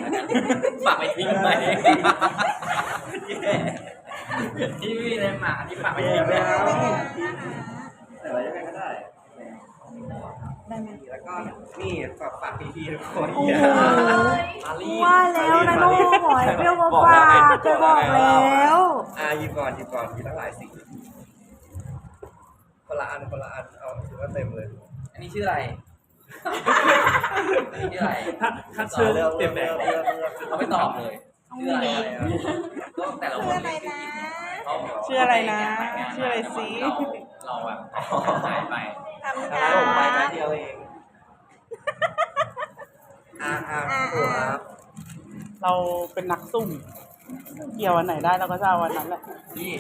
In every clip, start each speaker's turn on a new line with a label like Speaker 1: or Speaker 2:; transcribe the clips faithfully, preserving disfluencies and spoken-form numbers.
Speaker 1: ฝากไปทิ้งไปที่มีอะไรหมาที่ฝากไปทิ้งแล้วแต่อะไรยังไงก็ได้
Speaker 2: ได้ไหม
Speaker 1: แล้วก็นี่ฝากฝากพี่ๆทุกคน
Speaker 2: โอ้โหว่าแล้วนะโน่หอยเปรี้ยวมาฝากเคยบอกแล้ว
Speaker 1: อ่ะหยิบก่อนหยิบก่อนมีตั้งหลายสีคนละอันคนละอันเอาถือว่าเต็มเลยอันนี้ชื่ออะไรชื่ออะไร
Speaker 3: ถ้าถ้าชื่อเปลี่ยนแปลง
Speaker 1: เขาไม่ตอบเลยชื่ออะไรก็แต่ละคน
Speaker 2: ชื่ออะไรนะชื่ออะไรสิ
Speaker 1: เราแบบหายไป
Speaker 2: ทำงา
Speaker 1: ผมไปแค่
Speaker 2: น
Speaker 1: เดียวเองอ่าอ่าครับ
Speaker 3: เราเป็นนักซุ่มเกี่ยววันไหนได้เราก็จะเอาวันนั้นแหละ
Speaker 1: นี่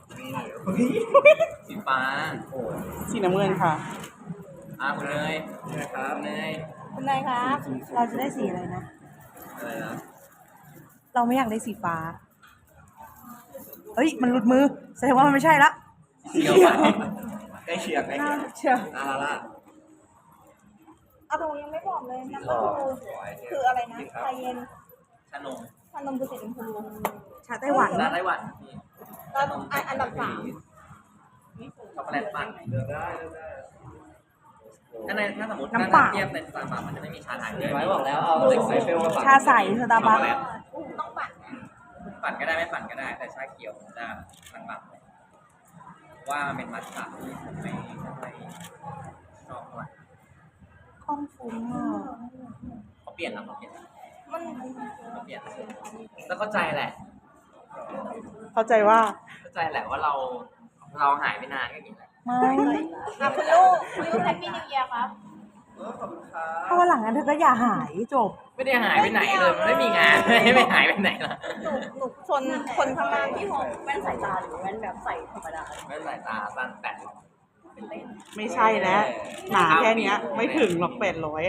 Speaker 1: สีฟ้าโอ้
Speaker 3: สีน้ำเงินค่ะ
Speaker 1: อ่าคุณเนยนะครับเนย
Speaker 2: คุณนายครับเราจะได้สีอะไรนะ
Speaker 1: อะไรนะ
Speaker 2: เราไม่อยากได้สีฟ้าเฮ้ยมันหลุดมือแสดงว่ามันไม่ใช่ละ
Speaker 1: เกี่ยวไปใกล้เคียงใกล้เคียงอ่าล่ะ
Speaker 2: เอาตรงยังไม่บอกเลยน้ำมันคืออะไรนะชาเย็น
Speaker 1: ชานม
Speaker 2: ชานมคือสีชมพูชาไต้หวัน
Speaker 1: ชาไต้หวัน
Speaker 2: แล้วอันดับสาม
Speaker 1: ช็อกโกแลตปั่นเลือกได้เลือกได้ถ้าในถ้าสมมติถ้าเทียบในสตาร์บัคมันจะไม่มีชาไทยเลยไว้บอกแล้วเอาใส่เฟลมาปั่น
Speaker 2: ชาใสสตาร์บัค
Speaker 1: ต้องปั่นปั่นก็ได้ไม่ปั่นก็ได้แต่ชาเขียวจะปั่นปั่นว่าเป็นมัทฉะที่ผมไม่ไม่ชอบเท่าไหร่
Speaker 2: คล่องฟุ้งอ่ะ
Speaker 1: เขาเปลี่ยนแล้วเขาเปลี่ยน
Speaker 2: มัน
Speaker 1: เขาเปลี่ยนแล้วเข้าใจแหละ
Speaker 3: เข้าใจว่า
Speaker 1: เข้าใจแหละว่าเราเราหายไปนานก็อย่างนี้แหละ
Speaker 2: ไม่
Speaker 4: อ่ะคุณลูกคุณลูกแฮปปี้นิวเยียร์ครับ
Speaker 1: ขอบคุณครับ
Speaker 2: ถ้าวันหลังนั้นเธอก็อย่าหายจบ
Speaker 1: ไม่ได้หายไปไหนเลยมันไม่มีงานไม่ไม่หายไปไหนล่ะ
Speaker 4: หนูหนูชนคนข้างล่างที่ห้องแว่นสายตาหรือแว่นแบบใส่ธรรมดา
Speaker 1: แว่นสายตาสั้นแปด
Speaker 3: ไม่ใช่แล้วหนาแค่นี้ไม่ถึงหรอกแปดร้อย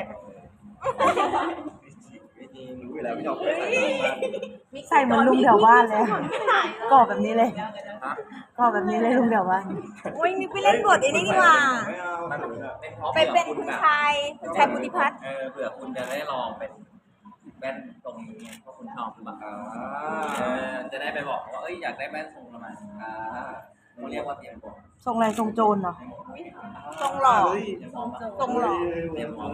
Speaker 1: รู้อยู่แล้วพี่ดอก
Speaker 2: ใส่เหมือนลุงแถวบ้านเลยก่อแบบนี้เลยก่อแบบนี้เลยลุงแถวบ้านโอ้ยมีไปเล่นบทไอ้นี่นี่ว่าไปเป็นคุณชายคุณชายพุทธิพัฒน์
Speaker 1: เออเผื่อคุณจะได้ลองเป็นแว่นตรงนี้เพราะคุณชอบหรือเปล่าเออจะได้ไปบอกว่าเอ้ยอยากได้แว่นทรงประมาณอ่าเขาเรียกว่าเตรียมตัว
Speaker 2: ทรงอะไรทรงโจรเหรอ
Speaker 4: ทรงหล่อทรงหล่อ
Speaker 1: เตรียมพร้อม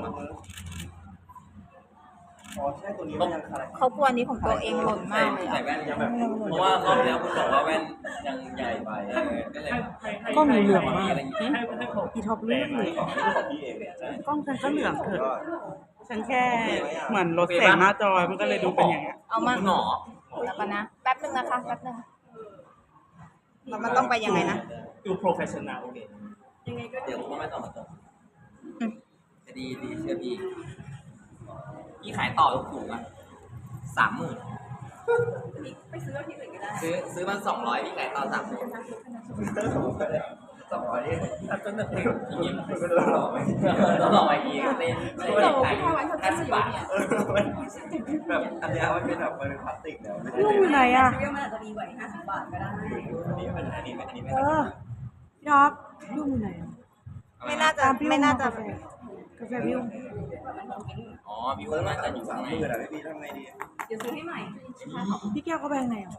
Speaker 4: เขากลัวนี้ของตัวเองหล่นมากเลย
Speaker 1: ใส่แว่นยังแบบเพราะว่ารอบแล้วคุณบอกว่าแว่นยังใหญ่ไปก็เลย
Speaker 3: ก็มีเหลืองมาก
Speaker 2: อีท็อปเลือกเลย
Speaker 3: กล้องฉันก็เหลืองเถอะฉันแค่เหมือนลดแสงหน้าจอมันก็เลยดูเป็นอย่างเงี้ย
Speaker 4: เอามา
Speaker 1: หนอ
Speaker 4: แล้วกันนะแป๊บนึงนะคะแป๊บนึงแล้วมันต้องไปยังไงนะ
Speaker 3: ดูโปรเฟชชั่นแนลเลย
Speaker 1: ยังไงก็เดี๋ยวผมก็ไม่ต้องมาตรงจะดีดีเชื่อพี่พี่ขายต่อถูกอ่ะสามหมื่น
Speaker 4: ไปซื้อที่อื่นก็ได้
Speaker 1: ซื้อซื้อมาสองร้อยพี่ขายต่อสามหมื่นสองร้อยถ้าต้นแบบนี้ยิ้มต้องหล่อไหมต้องหล่อไหมอีกเล่นเล่นขายห้าสิบบาทแบบอันนี้มันเป็นแบบมันเป็นพลาสติกแล้ว
Speaker 2: ลูกอยู่ไหนอ่ะ
Speaker 4: มันอาจจะดีกว่าห้าสิบบาทก็ได้
Speaker 1: อันนี้เป็นอันนี้เป็นอันนี้เป็น
Speaker 2: เออพี่ท็อปลูกอยู่ไหน
Speaker 4: ไม่น่าจะไม่น่าจะ
Speaker 2: กาแฟวิว
Speaker 1: อ๋อวิวน่าจะอยู่ข้างในเดี๋ยวพี่ทำไงดี
Speaker 4: เดี๋ยวซื้อให้ใหม่
Speaker 2: พี่แก้วเขาแบงไหนอ่ะ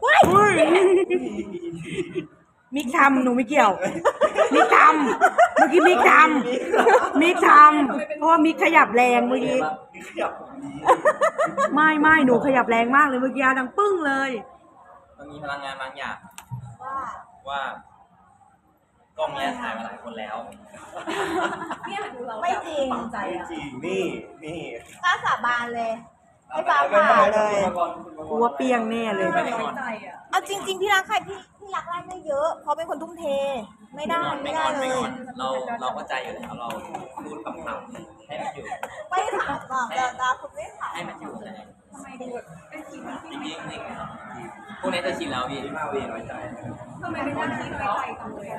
Speaker 2: มิกทำหนูไม่เกี่ยวมิกทำเมื่อกี้มิกทำมิกทำเพราะว่ามิกขยับแรงเมื่อกี้ไม่ไม่หนูขยับแรงมากเลยเมื่อกี้ดังปึ้งเลย
Speaker 1: มันมีพลังงานบางอย่างว่าว่ากล้องเนี้ยถ่ายมาหลายคนแล้ว
Speaker 4: ไม่จริง
Speaker 1: จริงนี่นี่
Speaker 4: กล้าสาบานเลยไม่ฟ้า
Speaker 2: ผ่าเลยกลัวเปียงแน่เลย
Speaker 4: เอาจริงๆพี่รักใครพี่พี่รักได้ไม่เยอะเพราะเป็นคนทุ่มเทไม่ได้ไม่ได้เลย
Speaker 1: เราเราเข้าใจอยู่แล้วเราพูดคำถามให้มันอยู่
Speaker 4: ไม่ถามหรอกแต่ตาคุณไม่ถาม
Speaker 1: ให้มันอยู่เลยจริงจริงจริงพวกนี้จะชินแล้วพี่ที่มาเวียนไว้ใจ
Speaker 4: ทำไมไม่ได้ที่ไว้ใจกันเลย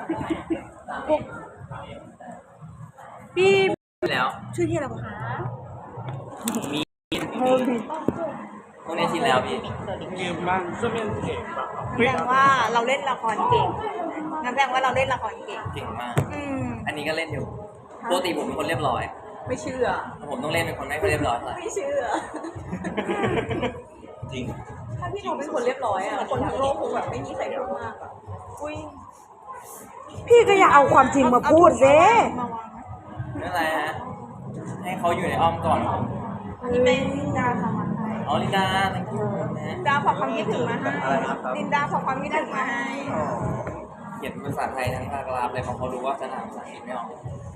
Speaker 2: พี่
Speaker 1: แล้ว
Speaker 2: ชื่อที่อะไรคะ
Speaker 1: มีพวกนี้ชินแล้วพี่
Speaker 3: ลืมบ้างจะเป็นเก่งแบบ
Speaker 4: แสดงว่าเราเล่นละครเก่งนั่นแสดงว่าเราเล่นละครเก่ง
Speaker 1: เก่งมากอันนี้ก็เล่นอยู่ปกติผมเป็นคนเรียบร้อย
Speaker 4: ไม่เชื่อ
Speaker 1: ผมต้องเล่นเป็นคนไม่เรียบร้อยเลย
Speaker 4: ไม่เชื่อ
Speaker 5: จริง
Speaker 2: ถ้าพี่เขาเป็นคนเรียบร้อยอ่ะคนทั้งโลกคงแบบไม่มีใครพูดมากอ่ะอุ้ย
Speaker 4: พี่ก็อย่าเอาความจริงมาพูดเซ่
Speaker 1: นั่นแหละให้เขาอยู่ในอ้อมก่อน
Speaker 2: อันนี้เป็นลินดาทำมาให้
Speaker 1: อ๋อลินดา thank you นะ
Speaker 2: ลินดาฝากความคิดถึงมาให้ลินดาฝากความคิดถึงมาให้
Speaker 1: เขียนภาษาไทยทั้งภาคกราฟเลยเพราะเขารู้ว่าฉันอ่านภาษาอังกฤษไม่ออก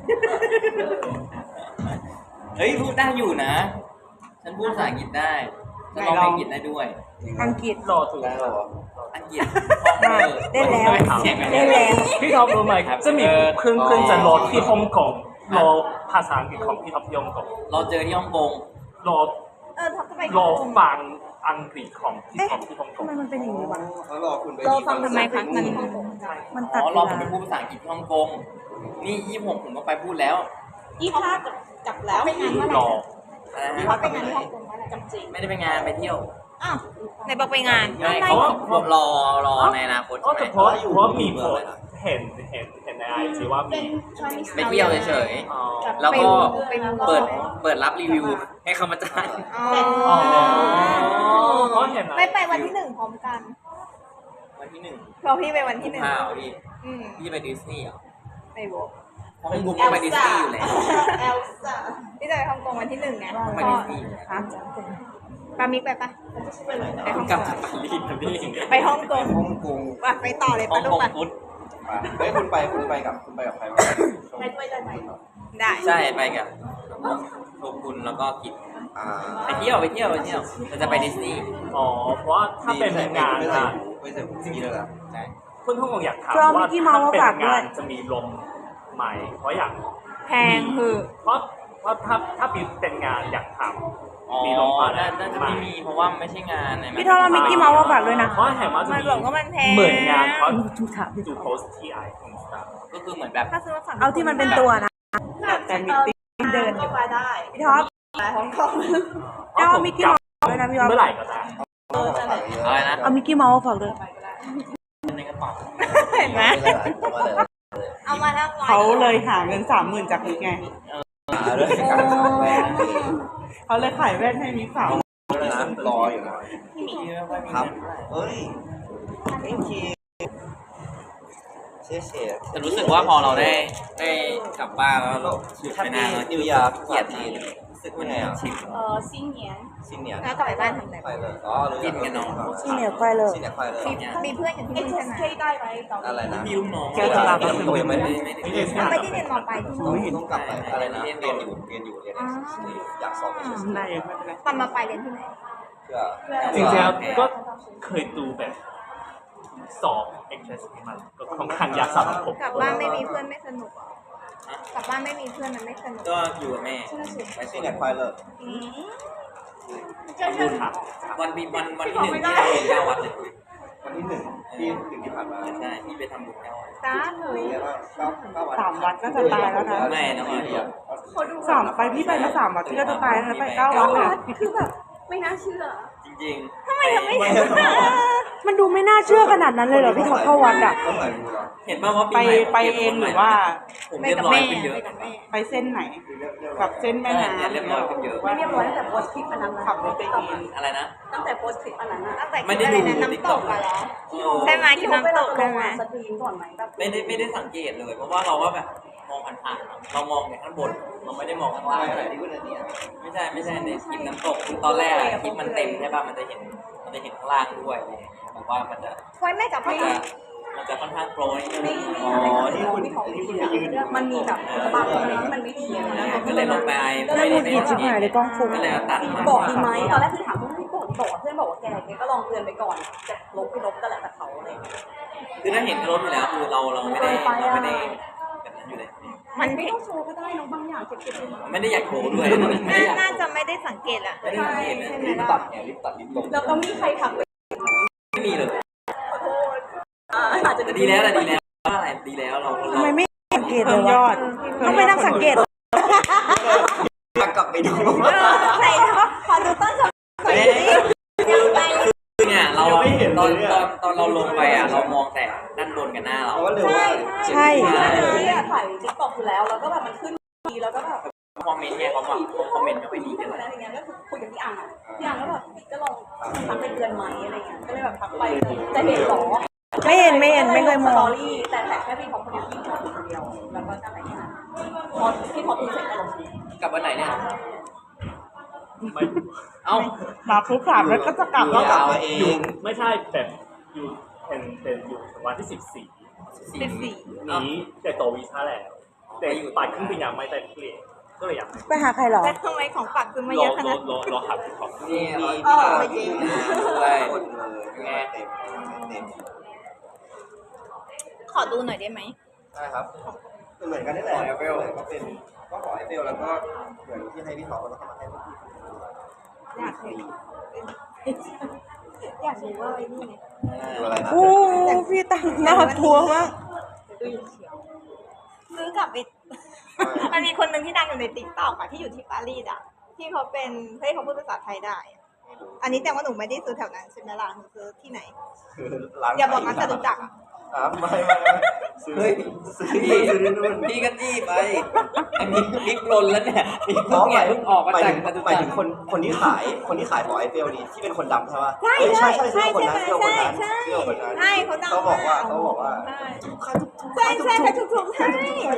Speaker 1: เฮ้ยพูดได้อยู่นะ ฉันพูดภาษาอังกฤษได้ฉันร้องเพลงอังกฤษได้ด้วย
Speaker 4: อังกฤษ
Speaker 6: รอถูก
Speaker 5: ได้เหรอ
Speaker 1: อังกฤษ
Speaker 4: ได้ได้แล้ว
Speaker 1: เสียง
Speaker 4: ได้แล้ว
Speaker 6: พี่ท็อปรู้ไหมจะมีเพื่อนเพื่อนจะรอที่ฮ่องกงรอภาษาอังกฤษของพี่ท็อปที่ฮ่องกง
Speaker 1: เราเจอที่ฮ่องกง
Speaker 6: รอ
Speaker 2: เออทับก็ไป
Speaker 6: รอฟังอังกฤษของพี่ท็อปที่ฮ่องก
Speaker 4: ทำ
Speaker 6: ง
Speaker 4: ไมมันเป็นอย่างนี้วะ
Speaker 5: เขารอคุณไป
Speaker 2: เราฟังทำไมคะมัน
Speaker 4: มัน
Speaker 1: อ๋
Speaker 4: ตัด
Speaker 1: อ
Speaker 4: เว
Speaker 1: รอ
Speaker 4: ลา
Speaker 1: ผมไปพูดภาษาอังกฤษที่ฮ่องกงนี่ยี่สิบหกผมก็ไปพูดแล้ว
Speaker 2: ยี่ห้าจับแล้วไปงานเมื่อไห
Speaker 6: ร
Speaker 2: ร่
Speaker 6: อ
Speaker 1: อะไรนะ
Speaker 2: เขาไปงานที่ฮ่องกงเมื่อไหร่จำจริง
Speaker 1: ไม่ได้ไปงานไปเที่ยว
Speaker 2: อ้าวไหนบอกไปงาน
Speaker 1: ไม่เขาบอกรอรอในอนาคต
Speaker 6: ก็
Speaker 1: ใช่ไหม
Speaker 6: เฉพาะเพราะมีคนเห็นเห็นเห็นในไอจีว่ามี
Speaker 1: ไปเที่ยวเฉย
Speaker 6: อ๋อ
Speaker 1: ๆแล้วก็เปิดเปิดรับรีวิวให้เขามาจ้าง
Speaker 6: อ๋อเพราะเห็น
Speaker 2: ไม่ไปวันที่หนึ่งพร้อมกัน
Speaker 1: วันที่หนึ่ง
Speaker 2: เพราะพี่ไปวันที่หนึ่ง
Speaker 1: ข้าวพี่
Speaker 2: อืม
Speaker 1: พี่ไปดิสนีย์เหรอ
Speaker 2: ไปบอก
Speaker 1: เพราะผมก็ไปดิสนีย์อยู่แล้ว
Speaker 2: เอลซ่าพี่จะไปฮ่องกงวันที่หนึ่งไง
Speaker 1: ไปดิสนีย์อยู่แล้ว
Speaker 2: ฮะปามิกไปปะไปฮ่อง
Speaker 1: ก
Speaker 2: ก
Speaker 1: ลับ
Speaker 2: ง
Speaker 1: จากปารีสนะพี่
Speaker 2: ไปฮ่องกง
Speaker 5: ฮ่องกง
Speaker 2: ว่ะไปต่อเลย
Speaker 1: ฮ่อ
Speaker 2: ปะ
Speaker 1: ง
Speaker 2: ลู
Speaker 1: ก
Speaker 2: ก
Speaker 1: ง
Speaker 2: ปะ
Speaker 1: ฟุต
Speaker 5: มาเฮ้ยคุณไปคุณไปกับคุณไปกับใครวะ
Speaker 2: ไปด้วยได้ไหมได้
Speaker 1: ใช่ไปกับโชกุนแล้วก็กิจ
Speaker 5: อ่า
Speaker 1: ไปเที่ยวไปเที่ยวไปเที่ยวเราจะไปดิสนีย์
Speaker 6: อ๋อเพราะว่าถ้าเป็นงาน
Speaker 5: ไม่ใส่
Speaker 6: อะ
Speaker 5: หูไม่ใส่หูจริงเลยนะ
Speaker 1: ใช่
Speaker 6: เพื่อนทุกคนอยากถาม
Speaker 4: เรามี
Speaker 6: ว่า
Speaker 4: กี่เมาส์
Speaker 6: ถ้าเป็น
Speaker 4: ฝากด้
Speaker 6: งา
Speaker 4: วย
Speaker 6: นจะมีลมไหมเพราะอยาก
Speaker 2: แพงคือ
Speaker 6: เพราะเพราะถ้าถ้าเป็นงานอยากท
Speaker 1: อ๋อ
Speaker 6: ำมีลมฟ้า
Speaker 1: น่าน่าจะไม่มีเพราะว่าไม่ใช่งานนะ
Speaker 4: พี่ทอมเรามิกกี้เมาส์มาฝากด้วยนะ
Speaker 6: เพราะเห็นว่าจะ
Speaker 2: มัน
Speaker 6: มี
Speaker 2: บอกว่ามันแพง
Speaker 6: เหมือนงานเขา
Speaker 4: ทุกถาม
Speaker 6: ดูโพสต์ที่ไอคอนสตาร์
Speaker 1: ก็คือเหมือนแบบ
Speaker 2: ถ้าซื้อมาสั่ง
Speaker 4: เอาที่มันเป็นตัวนะ
Speaker 3: แต่มิติ้ง
Speaker 2: เดินก็ไปได้
Speaker 4: พี่ท็อป
Speaker 2: ไปฮ่องกง
Speaker 4: เอามิกกี้เมาส์ด้วยนะพี่ท็อป
Speaker 6: เมื่อไหร่ก็ได้
Speaker 2: เออจะไหน
Speaker 1: อะไรนะ
Speaker 4: เอามิกกี้เมาส์มาฝากด้วย
Speaker 1: ในกระเป๋า
Speaker 2: เห็นไหมเอามาแล้ว
Speaker 3: เขาเลยหาเงินสามหมื่นจากมิกไง เขาเลยขายแว่นให้มิกสาว
Speaker 5: รออยู่นะ
Speaker 1: ค
Speaker 5: ค
Speaker 1: รั
Speaker 5: รั
Speaker 1: บบ
Speaker 5: เฮ้ยโอเคเชี่ยเชี่ย
Speaker 1: แต่รู้สึกว่าพอเราได้ได้กลับบ้านแล้วเราหยุดไปนานแล้ว
Speaker 5: นิวยาร์ก
Speaker 1: เกลียดที่รู้สึกว่าไงอ่ะชิน
Speaker 2: เออซิงเหนียน
Speaker 5: 新年
Speaker 2: แล้วกลับไปบ้านทำอะไร
Speaker 5: 快乐อ๋อรู้
Speaker 1: กินกันเนาะ
Speaker 4: 新年快乐
Speaker 5: 新年快乐
Speaker 2: มีเพื่อนอย่างที่นี่ใช่ไหมได้ไหม
Speaker 5: อะไรนะ
Speaker 1: มีลูกน้อง
Speaker 3: แกจะลาไป
Speaker 5: ตัวยังไม่ได้
Speaker 1: ไม่ได้
Speaker 6: ไม่ได้สิ
Speaker 2: ไม่ได้เรียนมอปลายที่
Speaker 5: ต้อ
Speaker 2: นู่
Speaker 5: ง
Speaker 2: น
Speaker 5: ต้องกลับไปอะไรนะเรียนอยู่เรียนอยู่เรียนอยากสอบไปเฉย
Speaker 3: ได้อยู่ไม่เป็นไร
Speaker 2: ตอนมาปลายเรียนที่ไหน
Speaker 5: เพื่อ
Speaker 6: จริงๆแล้วก็เคยดูแบบสอบ เอ็กซ์ เอส มันก็ค่อนข้างยากสำหรับผม
Speaker 2: กลับบ้านไม่มีเพื่อนไม่สนุกเหรอ กลับบ้านไม่มีเพื่อนมันไม่สนุก
Speaker 1: ก็อยู่กับแม่
Speaker 5: ไป新年快乐
Speaker 2: อืม
Speaker 6: พูดถาม
Speaker 1: วันปีวันวันที่หนึ่งที่เราไปเก้าวัดเลย
Speaker 5: วันที่หนึ่งที่ถึงที่ผ่านมา
Speaker 1: ใช่ที่ไปทำบุญเก้าวัด
Speaker 2: จ้าหนู
Speaker 5: เรียกว่าเก้าเก้าวัน
Speaker 3: สามวัดก็จะตายแล้วนะ
Speaker 1: ไม่นะพี่
Speaker 3: สามไปพี่ไปมาสามวัดที่ก็จะตายแล้วไปเก้าวัดเลย
Speaker 2: คือแบบไม่น่าเชื่อ
Speaker 1: จริงๆ
Speaker 2: ทำไมทำไมถึง
Speaker 4: มันดูไม่น่าเชื่อขนาดนั้นเลยเหรอพี่ท็อปเข้าวัดอ่ะ
Speaker 5: ก็เหมือนกูเหรอ
Speaker 1: เห็นป่าวว่า
Speaker 3: ไป
Speaker 1: ปีใหม่
Speaker 3: ไปเองหรือว่า
Speaker 1: ผม
Speaker 2: ไป
Speaker 1: เรียบ
Speaker 2: กับ
Speaker 1: ร้อย
Speaker 2: แม่
Speaker 1: ขึ้นเยอะ
Speaker 2: ไปกับแม่
Speaker 3: ไปเส้นไหนแบบเส้นแม่น้ำ
Speaker 1: เรียบร้อยขึ้นเยอะ
Speaker 2: ไม่เรียบร้อยตั้งแต่โพสต์คลิปอันนั้น
Speaker 3: ขับรถไปเอง
Speaker 1: อะไรนะ
Speaker 2: ตั้งแต่โพสต์คลิปอันนั้นอะตั้งแต่
Speaker 1: ไม่ได้ดู
Speaker 2: คลิปอะไรนะน้ำตกอะเหรอใช่ไหมคลิปน้ำตกใช่ไหมสตรีมก่อนไหมแบบ
Speaker 1: ไม่ได้ไม่ได้สังเกตเลย เพราะว่าเราก็แบบมองผ่านๆเรามองแต่ข้างบน เราไม่ได้มองข้างล่าง
Speaker 5: ไป
Speaker 1: อะไร
Speaker 5: ไหนที่วันนี้
Speaker 1: ไม่ใช่ไม่ใช่ในคลิปน้ำตกคือตอนแรกอะคลิปมันเต็มใช่ป่ะมันจะเห็นมันจะเห็นข้างล่างด้วยอะไรอย่างเงี้ยแบบว่ามันจะ
Speaker 2: ไว้แม่กับ
Speaker 1: มัน
Speaker 2: พ่อ
Speaker 1: จะมันจะค่อนข้างโปรย
Speaker 5: อ๋อที่คุณที่คุณไปยืน
Speaker 2: มันมีแบบบางอะไรที่มันไม่ดีอะไรเงี้ย
Speaker 1: ก็เลยลงไป
Speaker 4: แล้วหงุดหงิดชิบหายเลยกล้องฟุ้ง
Speaker 1: ก็เลยเอาตัดมา
Speaker 7: บอกดีไหมตอนแรกคือถามเพื่อนพี่บอกบอกเพื่อนบอกว่าแกแกก็ลองเตือนไปก่อนจะลบไปลบก็แล้วแต่เขาอะไรอย่างเงี้ย
Speaker 1: คือถ้าเห็นก็ลบอยู่แล้วคือเราเราไม่ได้เราไม่ได้แบบนั้นอยู่เลย
Speaker 2: มัน
Speaker 7: ไม่ต้องโชว์ก็ได้น้องบางอย่างเก็บเก็บไว้
Speaker 1: ไม่ได้อยากโชว์ด้วยไม่ได้อยาก
Speaker 2: น่าจะไม่ได้สังเกตอะ
Speaker 1: ไม่ได้สังเกตนะ
Speaker 5: รีบตัดไงรีบตัดรีบลง
Speaker 7: แล้วก็มีใครทักไป
Speaker 1: ไม่มีเลย
Speaker 7: ขอโทษอ่าอาจจะ
Speaker 1: แต่ดีแล้วแหละดีแล้วว่าอะไรดีแล้วเรา
Speaker 4: ทำไมไม่สังเกตเล
Speaker 3: เพิ่
Speaker 4: ย
Speaker 3: มยว
Speaker 4: ะ
Speaker 3: อด
Speaker 4: ต้องไปนั่งสังเกต
Speaker 5: กลับไปดู
Speaker 2: ใส่ขอดูต้นฉบับหน่อยสิยังไง
Speaker 1: คือเนี่ยเราตอนตอนตอนเราลงไปอ่ะเรามองแต่ด้านบนกับหน้าเรา
Speaker 5: เพราะว่าเร็วว่า
Speaker 4: ใช่
Speaker 7: ที่อะถ่ายติ๊กต็อกอยู่แล้วแล้วก็แบบมันขึ้นดีแล้วก็แบบ
Speaker 1: คอมเมนต์เนี่ยเขาบอกคอมเมนต์ไม่ค่อยดีกัน
Speaker 7: อะไรอย่างเงี้ยก็คือคุยกับพี่อังอ่ะพี่อังก็แบบก็ลองทักเป็นเดือนไหมอะไรเงี้ยก็เลยแบบทักไปจะเห็นหรอ
Speaker 2: ไม่เห็นไม่เห็นไม่เคยม
Speaker 7: สต
Speaker 2: อ
Speaker 7: อง รี่แต่แท็กแค่พี่ท็อปคนเดียวพี่ท็อปคนเดียวแล้วก็อะไรเงี้ยพอพี่ท็อปดูเสร็จก็ลง
Speaker 1: กลับวันไหนเนี่ย
Speaker 6: ไม่
Speaker 1: เอ้า
Speaker 3: มาปุ๊บถามแล้วก็จะกลับ
Speaker 5: ก็
Speaker 3: แล้ว
Speaker 5: กลับมาเอ
Speaker 6: อยู่
Speaker 5: ง
Speaker 6: ไม่ใช่แบบอยู่เป็นเป็นอยู่วันที่สิบสี่
Speaker 2: สิบสี่
Speaker 6: นี้แต่ต่อวีซ่าแล้วแต่อยู่ปัดขึ้นไปยังไม่ได้เปลี่ยนก็เลยอยาก
Speaker 2: ไปหาใครเหรอ
Speaker 4: แล้วทำไมของฝากคือไม่
Speaker 6: ร
Speaker 4: เย
Speaker 6: อ
Speaker 4: อะข
Speaker 6: ร
Speaker 4: นา
Speaker 6: อ
Speaker 4: ด
Speaker 6: รอรอหักของ
Speaker 1: นี่
Speaker 5: มี
Speaker 1: เรา
Speaker 5: พี่มาที่งานด้วย
Speaker 1: หมด
Speaker 5: หมดเลยไงเต็มเต็ม
Speaker 4: ขอดูหน่อยได้ไหม
Speaker 5: ใช่ครับเหมือนกันนี่แหละเอฟเอลก็เป็นก็ขอเอฟเอลแล้วก็เหมือนที่ให้พี่ท็อปแล้วก็มาให้พวกพี่
Speaker 4: อยากเห็นอยากดูว่าไอ้นี่ไง
Speaker 5: ดูอะไรนะ
Speaker 2: โอ้พี่ตังหน้าทัวมาก
Speaker 4: ซื้อกลับไป มันมีคนหนึ่งที่ดังอยู่ในติ๊กต็อกอะที่อยู่ที่ปารีสอะที่เขาเป็นเฮ้ยเขาพูดภาษาไทยได้อะอันนี้แต่ว่าหนูไม่ได้ซื้อแถวนั้นใช่ไหมล่ะหนูซื้อที่ไหน อย่าบอกนะจตุจักรอะ
Speaker 5: อ่ะไม่ไม่ซื้อซื้อที่ซื้อที่นู่น
Speaker 1: พี่ก็จี้ไปไอ้มิกมิกลนแล้วเนี่ยมิกเพิ่งเนี่ยเพิ่งออกมา
Speaker 5: หมาย
Speaker 1: จาก
Speaker 5: ถึง
Speaker 1: จตุ
Speaker 5: หมาย
Speaker 1: จั
Speaker 5: ถึ
Speaker 1: ก
Speaker 5: ง
Speaker 1: ร
Speaker 5: คนคนที่ขายคนที่ขายหอไอเฟลนี่ที่เป็นคนดำใช่ป่ะ
Speaker 4: ใช่
Speaker 5: ใช่
Speaker 4: ใช่
Speaker 5: ใช่
Speaker 4: ใช่
Speaker 5: ใช่
Speaker 4: ใช่
Speaker 5: คน
Speaker 4: ไหม
Speaker 5: นั้น
Speaker 4: ใช่
Speaker 5: เที่ยวคนนั้น
Speaker 4: ใช่เขาดัง
Speaker 5: เขาบอกว่า
Speaker 4: าก
Speaker 5: เขาบอกว่า
Speaker 4: ใช่ใช่ใช่ถูกถูกใช่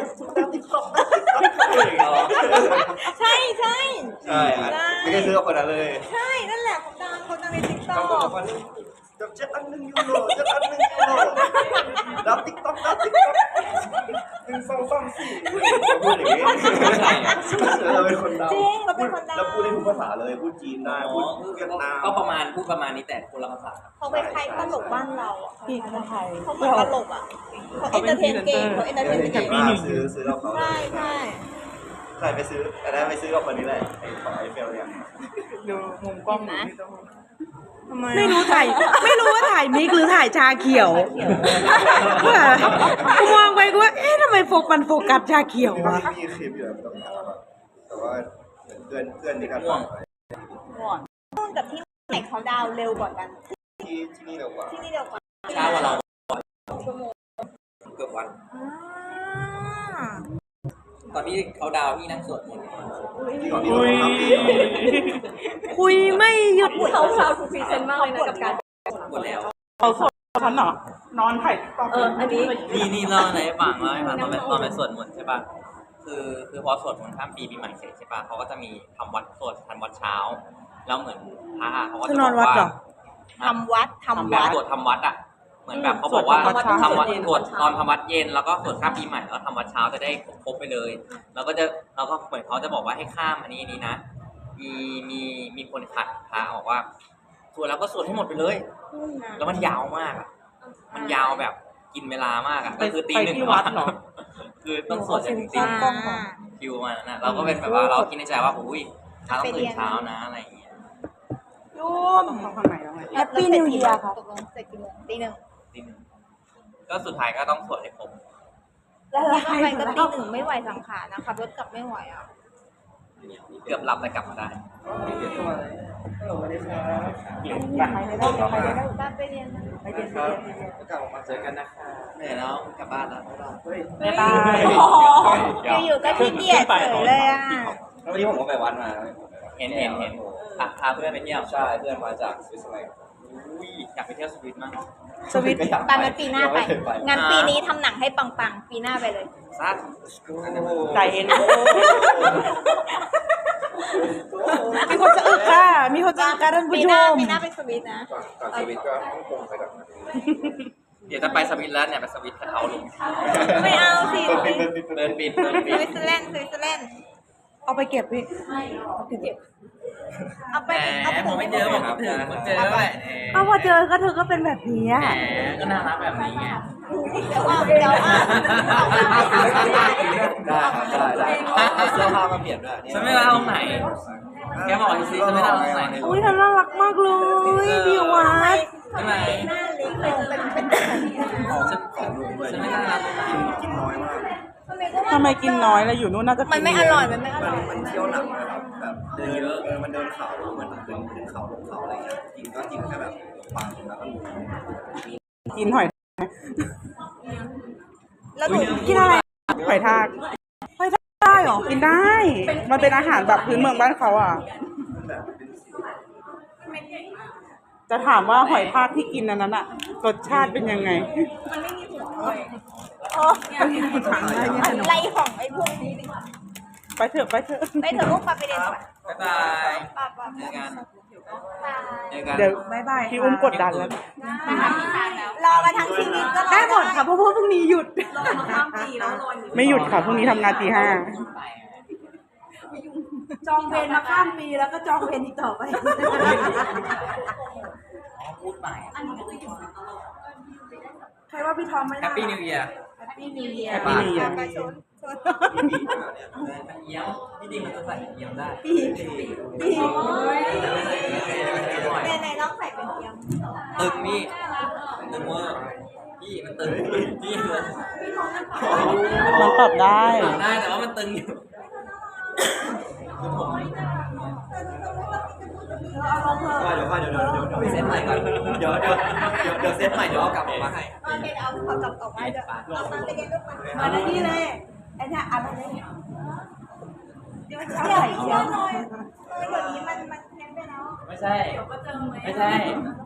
Speaker 4: ใช่ใช่
Speaker 5: ใช่ฮะไม่ได้ซื้อกับคนนั้นเลย
Speaker 4: ใช่นั่นแหละเขาดังเขาดังในติ๊กต็อ
Speaker 5: เขาบอก
Speaker 4: ก
Speaker 5: ว่าจับเจ็ดอันหนึ่งยูโรเจ็ดอันหนึ่งยูโรดับติ๊กต็อกดับติ๊กต็อกหนึ่งสองสามสี่พูดอย่างนี้เราเป็นคนดำ
Speaker 4: จริงเราเป็นคนดัง
Speaker 5: แล้วพูดได้ทุกภาษาเลยพูดจีนได้พูดเวียดนาม
Speaker 1: ก็ประมาณพูดประมาณนี้แต่คนละภาษา
Speaker 4: เขาเป็นใครตลกบ้านเราอ่ะ
Speaker 2: พี่คนไทย
Speaker 4: เขาเหมือนตลกอ่ะเขาเอนเตอร์เทนเก่งเขาเอนเตอร์เทน
Speaker 5: เก่
Speaker 4: เก่
Speaker 5: ง
Speaker 4: ง
Speaker 5: มากซื้อซื้อเราเขา
Speaker 4: ใช่ใช่
Speaker 5: ใช่ไปซื้ออันนั้นไปซื้อกับคนนี้แหละไอ้ของไอเฟลเนี่ย
Speaker 3: ดูมุมกล้องนะ
Speaker 4: ทำไม
Speaker 2: ไม่รู้ถ่ายไม่รู้ว่าถ่ายมิกหรือถ่ายชาเขียวว่ากูมองไปกูว่าเอ๊ะทำไมโฟกัสมันโฟกัสชาเขียววะ
Speaker 5: มีคลิปอยู่ตรงนั้นแต่ว่าเพื่อนเพื่อนที่กัน
Speaker 4: นู่นกับที่ไหนเขาดาวเร็วกว่ากัน
Speaker 5: ที่ที่นี่เร็วกว่า
Speaker 4: ที่นี่เร็วกว่า
Speaker 1: ช้ากว่าเราเกือบวัน
Speaker 4: อ่า
Speaker 1: ตอนที่เขาดาวพี่นั่งสวดมนต์
Speaker 5: ที่ก่อนที่
Speaker 3: อุ้
Speaker 5: เรา
Speaker 3: ย
Speaker 5: ทำปี
Speaker 2: คุยไม่หยุด
Speaker 7: เขาชาวทูพีเซนมากเลยนะกับการ
Speaker 1: หมดแล้ว
Speaker 3: เขาสดฉันเหรอ นอนถ่ายติ๊กต็อก
Speaker 7: เอออันนี้
Speaker 1: นี่นี่เล่าอะไรให้ฟังเล่าให้ฟังตอนไปตอนไปสวดมนต์ใช่ป่ะคือคือพอสวดมนต์ข้ามปีปีใหม่เสร็จใช่ป่ะเขาก็จะมีทำวัดสวดทำวัดเช้า แล้วเหมือนพระเขาก็
Speaker 2: คื
Speaker 1: จะ
Speaker 2: อน
Speaker 1: บ
Speaker 2: อ
Speaker 1: อน ก
Speaker 2: วัด
Speaker 1: ว่า
Speaker 2: เหรอ
Speaker 4: ทำวัดทำ
Speaker 1: แบ
Speaker 4: วั
Speaker 1: บ
Speaker 4: ด
Speaker 1: สวดทำวัดอ่ะเหมือนแบบเขาบอกว่าทำวัดสวดตอนทำวัดเย็นแล้วก็สวดข้ามปีใหม่แล้วทำวัดเช้าจะได้ครบไปเลย แล้วก็จะแล้วก็เหมือนเขาจะบอกว่าให้ข้ามอันนี้นี้นะ มีมีมีคนขัดพระบอกว่าสวดแล้วก็สวดให้หมดไปเลย แล้วมันยาวมากอ่ะ มันยาวแบบกินเวลามากอ่ะ
Speaker 3: ไป
Speaker 1: ก็คือตี
Speaker 3: ไป
Speaker 1: หนึ่ง
Speaker 3: ที่วัดเหรอ
Speaker 1: คือต้องสวดจนถึงตีหนึ่ง
Speaker 4: กล้องก่อน
Speaker 1: คิวมานั่นนะเราก็เป็นแบบว่าเราคิดในใจว่าอุ้ยเช้าต้องตื่นเช้านะอะไรอย่างเงี้ย
Speaker 2: ยุ่ม
Speaker 3: เขาข้างในแล้วไง
Speaker 2: แฮปปี้นิวเยียร์ค่ะ
Speaker 4: ตกลงเสร็จกี่โมงตีหนึ่ง
Speaker 1: ตีหนึ่งก็สุดท้ายก็ต้องสวดให้ครบ
Speaker 4: แล้วทำไมก็ตีหนึ่งไม่ไหวสังขารนะขับรถกลับไม่ไหวอ่ะ
Speaker 1: เกือบหลับแต่กลับมาได้
Speaker 5: สวัสดีครับ
Speaker 4: บ้านไปเรียนนะ
Speaker 5: ไปเรียนครับกลับมาเจอกันนะคะ
Speaker 1: เหนื่อยแล้วกลับบ้านแล้ว
Speaker 3: บ๊ายบาย
Speaker 4: โอ้โหอยู่ๆก็ขี้เกียจเฉยเลยอ่ะ
Speaker 5: แล้ววันนี้ผมก็ไปวัดมา
Speaker 1: เห็นเห็นเห็นอ่ะพาเพื่อนไปเที่ยว
Speaker 5: ใช่เพื่อนมาจากสวิตเซอร์แลนด์
Speaker 1: อุ้ยอยากไปเที่ยวสวิตมั้ง
Speaker 2: สวิต
Speaker 4: ตามงั้นปีหน้าไปงานปีนี้ทำหนังให้ปังๆ ปีหน้าไปเลย
Speaker 1: ซัด
Speaker 3: ใจเย็น
Speaker 2: มีคนจะอึกค่ะ มีคนจะอึกค่ะท่านผู้
Speaker 4: ปี
Speaker 2: ช
Speaker 4: หน้าม ปีหน้าไปสวิตนะ
Speaker 5: ก่อนก่อนสวิตก็ฮ่องกงไปก่อน
Speaker 1: เดี๋ยวจะไปสวิตแล้วเนี่ยไปสวิตกระเทาลง
Speaker 4: ไม่เอาสิ
Speaker 1: เดินบินเดิน
Speaker 4: ส
Speaker 1: บิน
Speaker 4: วิตเซอร์แลนด์สวิตเซอร์แลนด์
Speaker 2: เอาไปเก็บพี่
Speaker 4: เอาไป
Speaker 1: แหม
Speaker 4: เอาไป
Speaker 1: ผมไม่เจอผมคิดถึงผมเจอแล้วแหละ
Speaker 2: เอาพอเจอก็เธอก็เป็นแบบนี้
Speaker 1: แห
Speaker 2: อะ
Speaker 1: มก็น่ารักแบบนี้ไง
Speaker 4: เดี๋ยวว่าเดี๋ยวว่า
Speaker 5: ได้ครับได้ได้เอาเสื้อผ้ามาเปลี่ยนด้วย
Speaker 1: ฉันไม่รักตรงไหนแกบอกสิฉันไม่รักตรงไหน
Speaker 2: อุ้ยเธอน่ารักมากเลยพี่วัด
Speaker 1: ใช่ไหม
Speaker 4: หน้าเล็กลงเป็นเป็น
Speaker 1: ฉันฉันไม่น่ารักตรงไหน
Speaker 5: กินน้อยมาก
Speaker 3: ทำไมกินน้อยแล้วอยู่นู่นน่าจะ
Speaker 4: มันไม่อร่อยมันไม่อ
Speaker 5: มั
Speaker 4: ร่
Speaker 5: น
Speaker 4: อย
Speaker 5: มันเที่ยวหนักนะครับแบบเดินเออมันเดินเขามันขึ้นขึ้นเขาลงเขาอะไรเงี้ยกินก็กินแค่แบบปังแล้วก็หมู
Speaker 3: กินหอย
Speaker 4: แล้วหนู
Speaker 2: กินอะไร
Speaker 3: หอยทาก
Speaker 2: ได้เหรอเหรอ
Speaker 3: กินได้ มันเป็นอาหารแบบพื้นเมืองบ้านเขาอ่ะ จะถามว่าหอยทากที่กินอันนั้นอ่ะ รสชาติเป็นยังไง
Speaker 4: โอ้ไรของไอ้พวกนี้ดิ
Speaker 3: ไปเถอะไปเถอะ
Speaker 4: ไปเถอะลูกปาไปเรียนก่อน
Speaker 1: บ๊ายบาย
Speaker 4: ปาปา
Speaker 1: เจอกันเจอกัน
Speaker 3: เดี๋ยว
Speaker 2: บายบาย
Speaker 3: พี่อุ้มกดดันแล้ว
Speaker 4: รอมาทั้งชีวิตก็รอ
Speaker 2: ได้หมดค่ะเพราะว่าพรุ่งนี้หยุด
Speaker 7: รอมาข้ามปีแล้วรออยู่
Speaker 3: ไม่หยุดค่ะพรุ่งนี้ทำงานตีห้า
Speaker 2: จองเวรมาข้ามปีแล้วก็จองเวรอีกต่อไป
Speaker 1: พูดใหม่
Speaker 2: ใครว่าพี่ทอมไม่
Speaker 1: แฮปปี้นิวเยียร์
Speaker 2: แฮปปี้นิวเยียร์
Speaker 3: แฮปปี้นิวเยียร์
Speaker 4: ไปชนชน
Speaker 1: เยี่ยมที่จริงมันจะใส่เยี่ยมได้
Speaker 2: ปีปี
Speaker 4: ในในน้องใส่เป็นเทียม
Speaker 1: ตึงนี่ตึงเวอร์พี่มันตึงพี่เลย
Speaker 3: มันปรับได้
Speaker 1: ปรับได้แต่ว่ามันตึงอยู่คือผม
Speaker 5: เดี๋ยวเดี๋ยวเดี๋ยวเดี๋ยวเดี๋ยว
Speaker 1: ไปเซตใหม่ก่อนเดี๋ยวเดี๋ยวเดี๋ยวเดี๋ยวเซตใหม่เดี๋ยวเอากลับออกมาให้
Speaker 4: โอเคเอาขอกลับออกมาเดี๋ยวเอาตามไปเรียนลูกมา
Speaker 2: มาได้ที่เลยไอ้เนี่ยอะไรเนี่ย
Speaker 4: เดี๋ยวเดี๋ยวเดี๋ยวหน่อยเดี๋ยวนี้มันมันแพงไปแล้ว
Speaker 1: ไม่ใช่ไม่ใช่